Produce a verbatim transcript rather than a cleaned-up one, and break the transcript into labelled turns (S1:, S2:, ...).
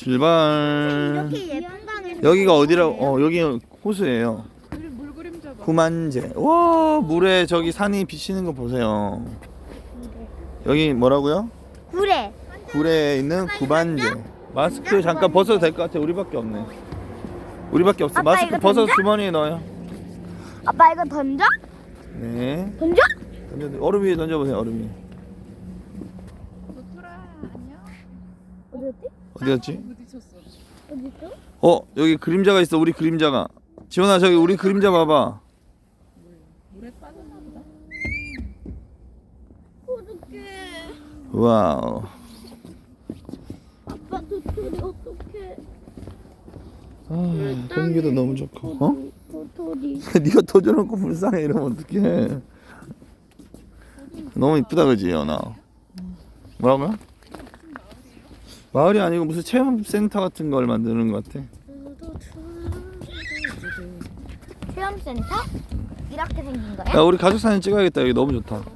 S1: 출발.
S2: 이렇게 예쁜 강을
S1: 여기가 어디라고? 어 여기 호수예요.
S3: 물 그림자 봐.
S1: 구만제. 와 물에 저기 산이 비치는 거 보세요. 여기 뭐라고요?
S2: 구례.
S1: 구례에 있는 구반제. 마스크 잠깐 벗어도 될 것 같아. 우리밖에 없네. 우리밖에 없어.
S2: 아빠,
S1: 마스크
S2: 이거
S1: 벗어서
S2: 던져?
S1: 주머니에 넣어요.
S2: 아빠 이거 던져?
S1: 네.
S2: 던져?
S1: 던져. 얼음 위에 던져보세요. 얼음 위에.
S3: 노토라 안녕.
S2: 어디였지?
S1: 어디였지?
S3: 부딪혔어.
S2: 어디있어?
S1: 어 여기 그림자가 있어. 우리 그림자가. 지원아 저기 우리 그림자 봐봐.
S3: 물에 빠졌나 보다.
S2: 어떡해.
S1: 와우.
S2: 아빠 도토리 어떡해.
S1: 아, 공기도 너무 좋고. 어?
S2: 도토리.
S1: 네가 터져놓고 불쌍해 이러면 어떡해. 너무 이쁘다 그지 연아. 뭐라고요? 마을이 아니고 무슨 체험센터 같은 걸 만드는 것 같아.
S2: 체험센터? 이렇게 생긴
S1: 야
S2: 거야?
S1: 우리 가족 사진 찍어야겠다. 여기 너무 좋다.